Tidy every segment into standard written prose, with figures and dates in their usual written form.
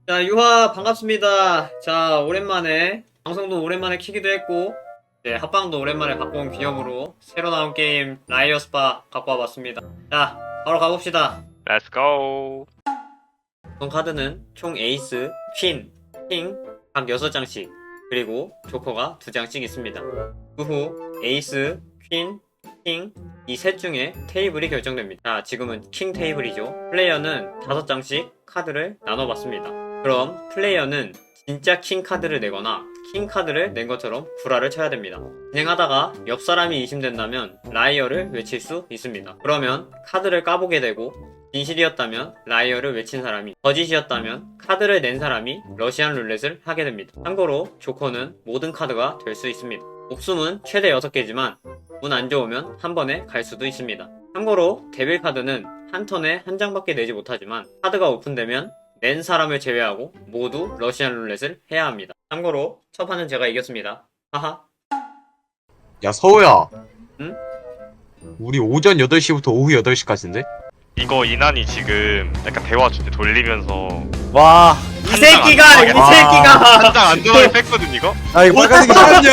자, 유하 반갑습니다. 자, 오랜만에 방송도 오랜만에 키기도 했고 이제 합방도 오랜만에 갖고 온 기념으로 새로 나온 게임 라이어 스파 갖고 와봤습니다. 자, 바로 가봅시다. Let's go. 구성 카드는 총 에이스, 퀸, 킹 각 6장씩 그리고 조커가 2장씩 있습니다. 그 후 에이스, 퀸, 킹 이 셋 중에 테이블이 결정됩니다. 자, 지금은 킹 테이블이죠. 플레이어는 5장씩 카드를 나눠봤습니다. 그럼 플레이어는 진짜 킹 카드를 내거나 킹 카드를 낸 것처럼 구라를 쳐야 됩니다. 진행하다가 옆 사람이 의심된다면 라이어를 외칠 수 있습니다. 그러면 카드를 까보게 되고 진실이었다면 라이어를 외친 사람이, 거짓이었다면 카드를 낸 사람이 러시안 룰렛을 하게 됩니다. 참고로 조커는 모든 카드가 될 수 있습니다. 목숨은 최대 6개지만 운 안 좋으면 한 번에 갈 수도 있습니다. 참고로 데빌 카드는 한 턴에 한 장밖에 내지 못하지만 카드가 오픈되면 낸 사람을 제외하고 모두 러시안 룰렛을 해야 합니다. 참고로 첫 판은 제가 이겼습니다. 하하. 야 서우야. 응? 우리 오전 8시부터 오후 8시까지인데? 이거 이난이 지금 약간 대화 주제 돌리면서 와, 이 새끼가! 이 새끼가! 한 장 안전하게 뺐거든 이거? 아 이거 빨간색이 잠깐만요.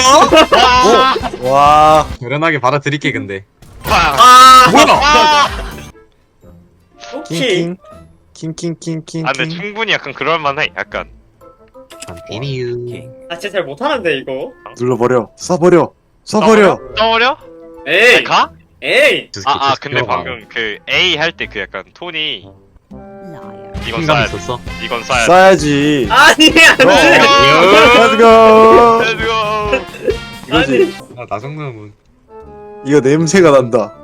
와, 결연하게 받아들일게 근데. 빵! 아! 뭐야? 오케이. 킹킹킹킹킹. 아 근데 충분히 약간 그럴만해 약간 에니유. 아, 진짜 잘 못하는데, 이거. 눌러버려, 쏴버려, 쏴버려. 떠버려? 에이! 아니, 가? 에이! 근데 방금 그 A 할 때 그 약간 톤이 이건 킹감 쏴야 돼 있었어? 이건 쏴야 쏴야지. 아니, 안 돼! Let's go. 돼 렛츠고 이거지. 나 정도면 이거 냄새가 난다.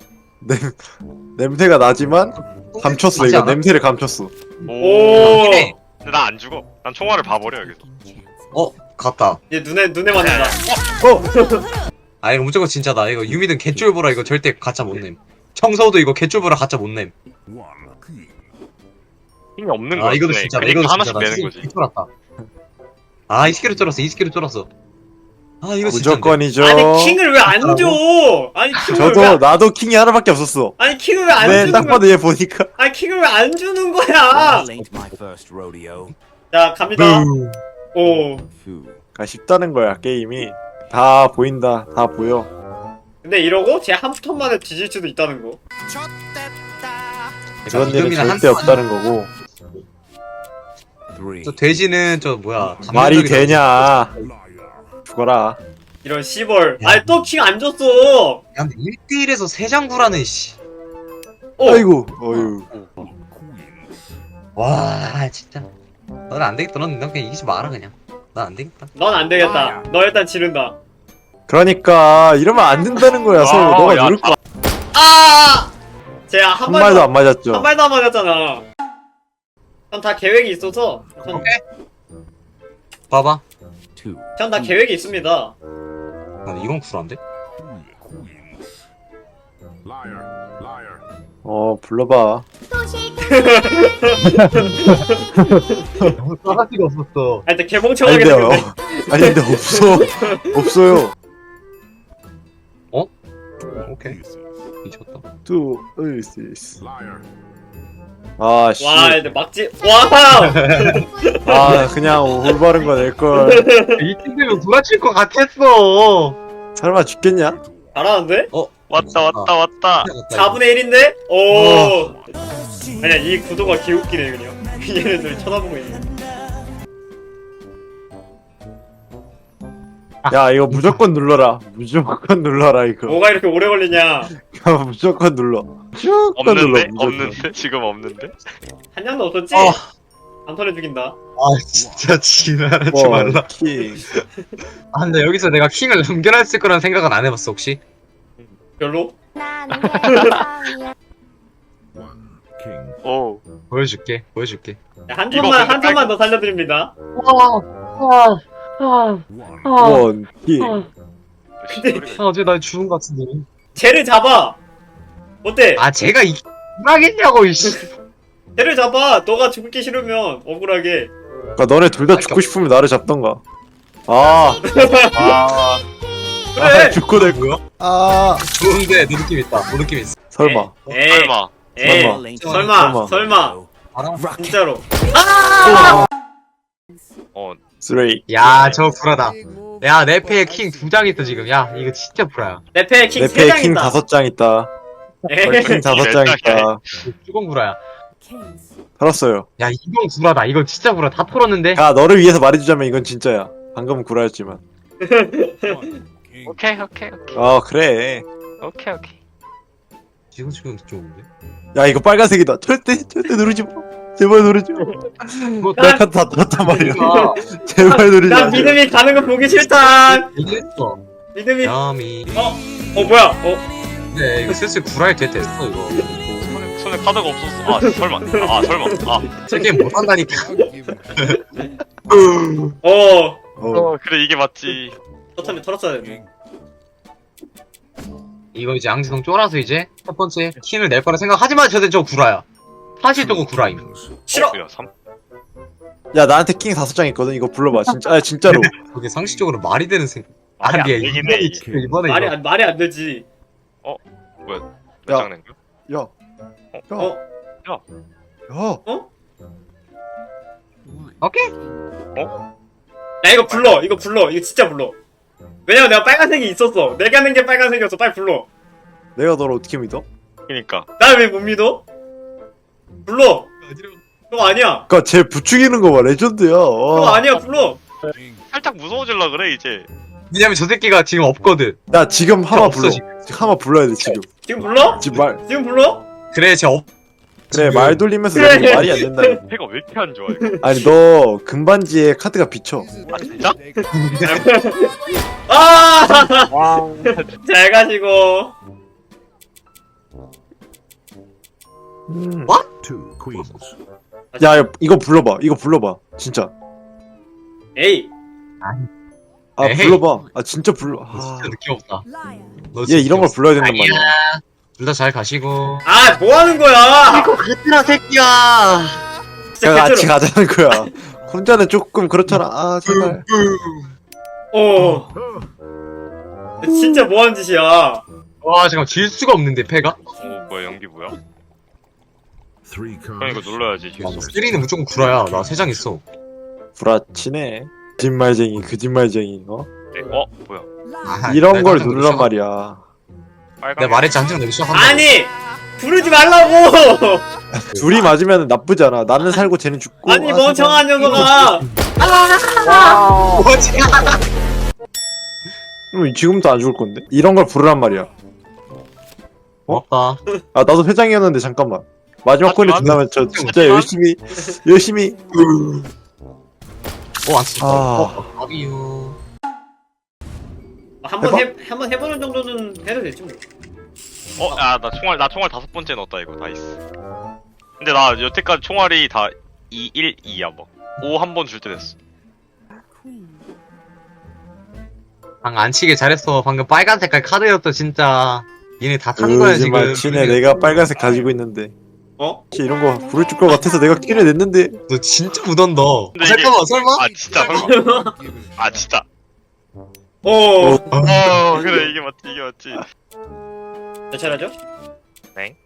냄새가 나지만 감췄어. 맞지 이거 않아? 냄새를 감췄어. 오! 근데 나 안 죽어 난 총알을 봐버려 여기서 갔다. 얘 눈에 맞는다. 아 이거 무조건 진짜다. 이거 유미든 개쫄보라 이거 절대 가짜 못 냄. 청서도 이거 개쫄보라 가짜 못 냄. 힘이 없는 거야 아 이거도 진짜다. 그러니까 이거도 하나씩 진짜다. 내는 거지 쫄았다. 아 이 스킬을 쫄았어. 이 스킬을 쫄았어. 아 이거 진짜. 무조건이죠. 아니, 킹을 왜 안 줘? 아니, 킹을 왜, 저도 나도 킹이 하나밖에 없었어. 아니, 킹을 왜 안 네, 주는 딱 거야? 봐도 얘 보니까. 아니, 킹을 왜 안 주는 거야? This ain't my first rodeo. 자, 갑니다. 오. 아, 쉽다는 거야 게임이. 다 보인다. 다 보여. 근데 이러고 쟤 한 턴 만에 뒤질 수도 있다는 거. 그런 일은 이금이나 절대 없다는 거고. Three. 저 돼지는 저 뭐야? 말이 감정적이다. 되냐? 죽어라. 이런 시벌. 야. 아니, 또 킹 안 줬어. 야 근데 1대1에서 3장 구라는 씨. 어. 아이고, 어휴. 와 진짜. 너는 안 되겠다. 넌 그냥 이기지 마라 그냥. 난 안 되겠다. 넌 안 되겠다. 너 일단 지른다. 그러니까 이러면 안 된다는 거야. 서로 너가 야, 누를 거. 아! 쟤 한 한 발도 안 맞았죠. 한 발도 안 맞았잖아. 전 다 계획이 있어서. 봐봐. Two. 전 다 계획이 있습니다. 아, 이건 쿨한데? 불러봐. 너무 싸가지가 없었어. 아, 일단 아니 개멍청하게 근데 생겼네. 아니 근데 없어. 없어요. 오케이. 미쳤다. 또 으이스. 아 씨. 와, 근데 막지. 와우! 아 그냥 올바른 거 낼 걸. 이 팀들면 누가 칠 것 같았어. 설마 죽겠냐? 잘하는데? 왔다 4분의 1인데? 오. 아니야, 이 구도가 개웃기네, 그냥. 얘네들 쳐다보고 있네. 야 이거 무조건 눌러라. 무조건 눌러라 이거. 뭐가 이렇게 오래 걸리냐? 무조건 눌러. 무조건 눌러. 없는데? 무조건. 없는데? 지금 없는데? 한 장도 없었지? 어. 안 털어 죽인다. 아 진짜 지랄하지 말라. 킹. 아 근데 여기서 내가 킹을 넘겨놨을 거란 생각은 안 해봤어 혹시? 별로? 오 보여줄게. 야, 한 이거 턴만, 근데 한 턴만 더 살려드립니다. 원 킹. 어제 나 죽은 것 같은데. 쟤를 잡아! 어때? 아 제가 이기겠냐고 이씨. 쟤를 잡아! 너가 죽기 싫으면, 억울하게. 그러니까 너네 둘 다 죽고 싶으면 나를 잡던가. 아. 그래! 죽고 될 거야? 아. 좋은데 너 느낌 있다. 너 느낌 있어. 설마. 에이, 설마 에이, 설마. Ain't 설마, 설마. 설마. 알아? 진짜로. 아! 쓰레기. 야, 저 불하다. 야, 내 패에 킹 2장 있어, 지금. 야, 이거 진짜 불화야. 내 패에 킹 내 3장 패에 킹 있다. 5장 있다. 에헤헤. 킹 5장 있다. 뚜껑 불화야. 털었어요. 야, 이건 불화다. 이건 진짜 불화. 다 털었는데? 야, 너를 위해서 말해주자면 이건 진짜야. 방금은 구라였지만. 오케이. 그래. 오케이. 지금 좋은데? 야, 이거 빨간색이다. 절대 누르지 마. 제발 누르지 마. 뭐, 내 카드 다 털었단 말이야. 아, 제발 누르지 마. 난 믿음이 가는 거 보기 싫다. 이랬어. 믿음이. 야미. 뭐야? 네, 이거 슬슬 구라에 됐어, 이거. 손에 카드가 없었어. 설마. 저 게임 못한다니까. 그래 이게 맞지. 털었으면 털었어야 돼. 이거 이제 앙지성 쫄아서 이제 첫 번째 킹을 낼 거라 생각하지만 저거 구라야. 사실 저거 구라임. 싫어. 야, 3. 야, 나한테 킹 5장 있거든. 이거 불러봐. 진짜. 아, 진짜로. 그게 상식적으로 말이 되는 생. 말이 안 아니, 되긴 해, 이게. 이번에 이거. 말이 안 되지. 몇 야. 장 낸 거야? 야. 어? 야. 오케이. 야 이거 불러. 이거 진짜 불러. 왜냐면 내가 빨간색이 있었어. 내가 낸 게 빨간색이었어. 빨리 불러. 내가 너를 어떻게 믿어? 그니까. 날 왜 못 믿어? 불러. 그거 아니야. 그니까 쟤 부추기는 거 봐. 레전드야. 그거 아니야. 불러. 살짝 무서워질라 그래 이제. 왜냐면 저 새끼가 지금 없거든. 야, 지금 하마 없어, 불러. 지금. 하마 불러야 돼, 지금. 지금 불러? 지금 불러? 그래, 쟤 없. 그래, 지금. 말 돌리면서 그래. 내가 말이 안 된다. 패가 왜 이렇게 안 좋아 이거? 아니, 너 금반지에 카드가 비쳐. 아 진짜? 잘 가시고. Two queens. 야, 이거 불러봐. 이거 불러봐. 진짜. 에이. 아, 에헤이. 불러봐. 아, 진짜 불러. 너 아, 진짜 느낌 없다. 너 얘 진짜 이런 걸 느낌 불러야 된단 아니야. 말이야. 둘 다 잘 가시고. 아, 뭐 하는 거야? 같으라 새끼야. 진짜 야, 같이 개쩔어. 가자는 거야. 혼자는 조금 그렇잖아. 아, 제발. 진짜 뭐 하는 짓이야? 와, 잠깐 질 수가 없는데 패가? 뭐야 연기 뭐야? Three 그럼 cards. 이거 눌러야지. 야, 3는 무조건 구라야. 나 3장 있어. 불아치네. 거짓말쟁이, 거짓말쟁이. 어? 뭐야? 아하, 이런 내가 걸 한 장 누르란 시작- 말이야. 빨간. 내가 말했지 한장 내기 시작한다. 아니! 부르지 말라고! 둘이 맞으면 나쁘지 않아. 나는 살고 쟤는 죽고. 아니, 아, 멍청한 녀석아! 뭐지? 그럼 지금부터 안 죽을 건데? 이런 걸 부르란 말이야. 고맙다. 아, 나도 회장이었는데 잠깐만. 마지막 코인을 준다면 저 진짜 열심히 안 쓰. 아. 아비유. 한번 해보는 정도는 해도 되지 뭐. 야, 나 총알 5번째 넣었다 이거 나이스. 근데 나 여태까지 총알이 다 2, 1, 2야 막. 5 한 번 줄 때 됐어. 방 안 치게 잘했어. 방금 빨간 색깔 카드였어 진짜. 얘네 다 타는 거야 지금. 거짓말치네. 내가 빨간색 가지고 있는데. 어? 혹시 이런 거 부를 줄 것 같아서 내가 끼를 냈는데. 너 진짜 묻었다. 근데 이게- 잠깐만 설마? 아 진짜 설마? 아 진짜. 그래 이게 맞지. 몇 차례죠? 네.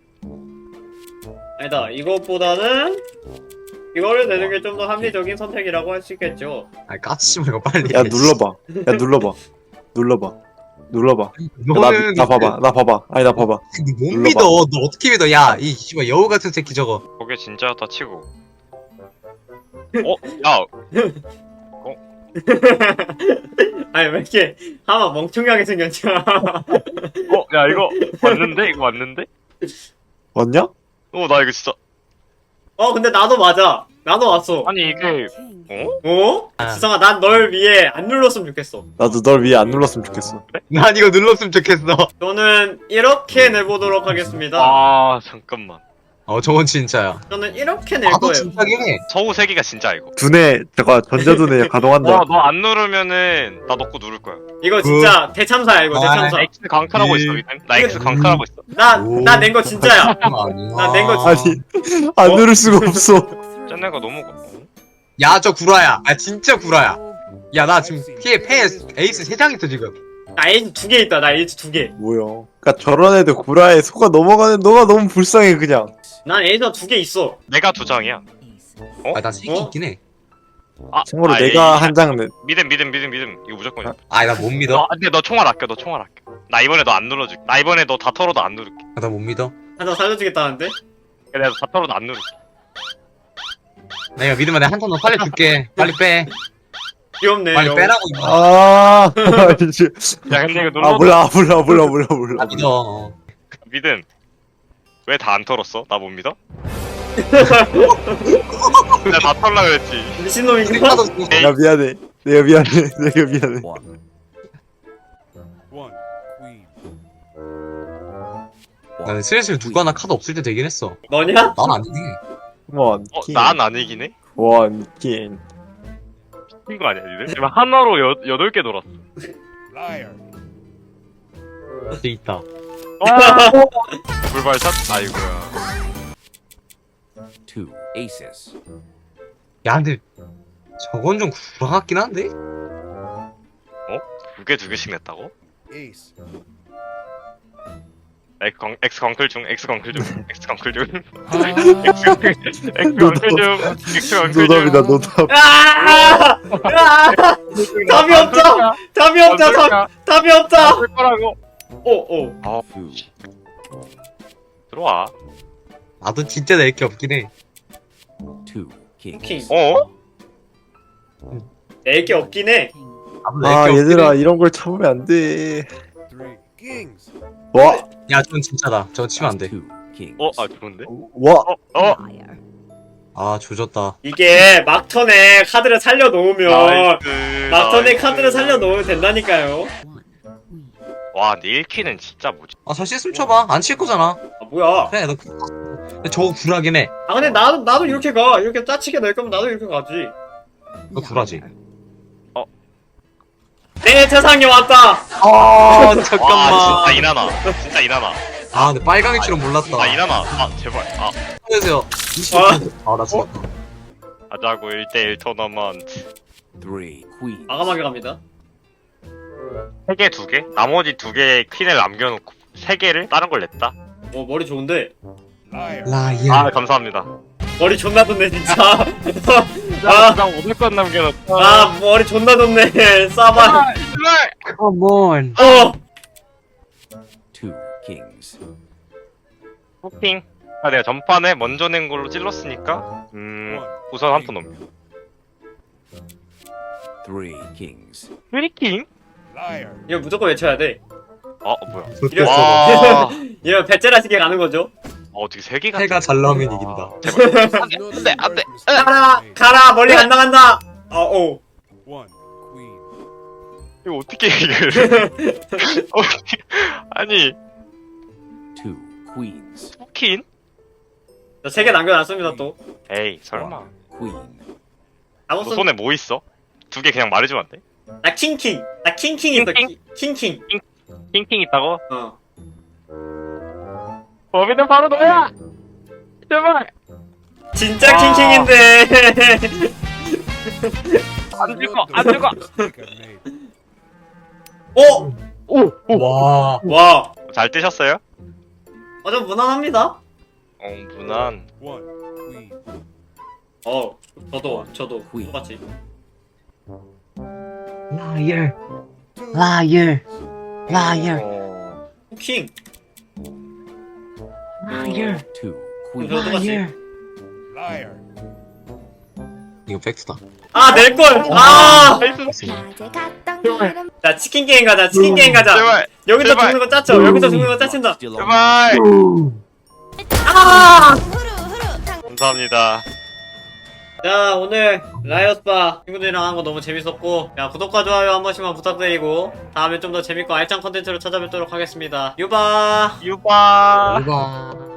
아니다, 이것보다는 이거를 내는 게 좀 더 합리적인 선택이라고 할 수 있겠죠. 아 까치지 말고 빨리. 야, 눌러봐. 야, 눌러봐. 너는 나 봐봐. 아니, 나 봐봐. 못 눌러봐. 믿어. 너 어떻게 믿어? 야, 이 씨발 여우 같은 새끼 저거. 저게 진짜였다 치고. 야, 아니, 왜 이렇게 하마 멍청하게 생겼지? 야 이거 맞는데? 왔냐? 나 이거 진짜. 근데 나도 맞아. 나도 왔어. 아니 이게 아. 지성아, 난 널 위해 안 눌렀으면 좋겠어. 나도 널 위해 안 눌렀으면 좋겠어. 난 이거 눌렀으면 좋겠어. 저는 이렇게 내보도록 하겠습니다. 아 잠깐만. 저건 진짜야. 저는 이렇게 낼 나도 거예요. 진짜긴 해. 서우 3개가 진짜 이거. 두뇌, 전자두뇌 가동한다. 너 안 누르면은 나 넣고 누를 거야. 이거 진짜 대참사야, 이거 대참사. 나 X 강탈하고 있어. 나 X 강탈하고 있어. 나 낸 거 진짜야. 아니야. 난 낸 거 아니, 안 어? 누를 수가 없어. 쟤네가 너무 야, 저 구라야. 아, 진짜 구라야. 야, 나 지금 패 에이스 3장 있어, 지금. 나 에이즈 2개 있다. 나 에이즈 2개. 뭐야. 그니까 저런 애들 구라에 속아 넘어가는 너가 너무 불쌍해, 그냥. 난 에이즈가 2개 있어. 내가 2장이야. 아, 나 3개 어? 있긴 해. 참고로 아, 내가 이- 한 장은 믿음. 이거 무조건이야. 아니 나 못 믿어. 근데 너 총알 아껴. 나 이번에 너 안 눌러줄게. 나 이번에 너 다 털어도 안 누를게. 나 못 믿어. 한장 살려주겠다는데? 내가 다 털어도 안 누를게. 내가 믿으면 내가 한턴 더 살려줄게. 빨리 빼. 귀엽네. 빨리 형. 빼라고 이거. 아 이제 야 근데 이거 눌러. 아 몰라. 나 믿어. 믿음. 왜 다 안 털었어? 나 못 믿어? 내가 다 털라 그랬지. 미친놈인가? 하나도 없어. 내가 미안해. 내가 미안해. One. One. Queen. 나는 슬슬 누구 하나 카드 없을 때 되긴 했어. 너냐? 난 아니지. 원킹. 난 아니긴 해? 원킹. 미친 거 아니야 니들? 지금 하나로 8개 돌았어. Liar. 돼 있다. 불발샷? 아이고야. Two aces. 야 근데 저건 좀 구라 같긴 한데? 두 개씩 냈다고? Ace. X 광클 중. X 광클 중. 노답이다 노답. 아! 아! 답이 없다. 답이 없다. 거라고. 오. Two. 들어와. 나도 진짜 낼 게 없긴 해. Two kings. 킹. 어? 낼게 없긴 해. 나도 낼 아 게 없긴 얘들아 해. 이런 걸 참으면 안 돼. Three kings. 와. 야, 전 진짜다. 저거 치면 안 돼. Two kings. 좋은데? 와. 아, 조졌다. 이게 막턴에 카드를 살려놓으면 나이스. 막턴에 카드를 살려놓으면 된다니까요. 와, 근데 1키는 진짜 뭐지? 아, 저 실수 쳐봐. 안 칠 거잖아. 아 뭐야? 그래, 너. 근데 저거 구라긴 해. 아 근데 나도 이렇게 가. 이렇게 짜치게 낼 거면 나도 이렇게 가지. 너 구라지. 내 세상에 왔다. 아, 와, 잠깐만. 진짜 이나나. 진짜 이나나. 아, 근데 빨강일 줄은 몰랐다. 아, 이나나. 제발. 안녕하세요. 20분. 아, 나 죽었다. 하자고 1대1 토너먼트. Three queens. 과감하게 갑니다. 3개, 2개? 나머지 2개 퀸을 남겨놓고 3개를 다른 걸 냈다. 머리 좋은데. Liar. 라이어. 감사합니다. 머리 존나 좋네 진짜. 나 500건 남겨놓고. 머리 존나 좋네. 싸봐. Come on. Two kings. 호핑. 내가 전판에 먼저 낸 걸로 찔렀으니까 우선 한 푼 넘겨. Three kings. 트리킹? Liar. 이거 무조건 외쳐야 돼. 뭐야. 이런 와. 이런 배째라시게 가는 거죠. 어떻게 3개가 해가 잘 나오면 이긴다. 안 돼. 가라 멀리 안 나간다. 오. One queen. 이거 어떻게 이걸. 아니, Two queens. 호킨? 저 3개 남겨놨습니다 또. 에이, 설마. One queen. 너 아무튼 손에 뭐 있어? 2개 그냥 말해주면 안 돼? 나 킹킹. 나 킹킹 있어. 킹킹? 킹킹. 킹킹 있다고? 범인은 바로 너야! 제발! 진짜 아. 킹킹인데. 안 죽어! Mistake I made. 와. 와. 잘 뜨셨어요? 좀 무난합니다. 무난. One queen. 저도 Queen. 똑같이. 라이어. 라이어. 라이어. 킹. 라이어. Two 저도 queens. 똑같이. Liar. 이거 팩트다. 낼 걸. 자 치킨 게임 가자. 치킨 게임 가자. 제발! 여기서 제발. 죽는 거 짜쳐. 여기서 죽는 거 짜친다. Still on 제발! 감사합니다. 자 오늘 라이엇바 친구들이랑 한 거 너무 재밌었고 야 구독과 좋아요 한 번씩만 부탁드리고 다음에 좀 더 재밌고 알찬 컨텐츠로 찾아뵙도록 하겠습니다. 유바. 유바! 이거.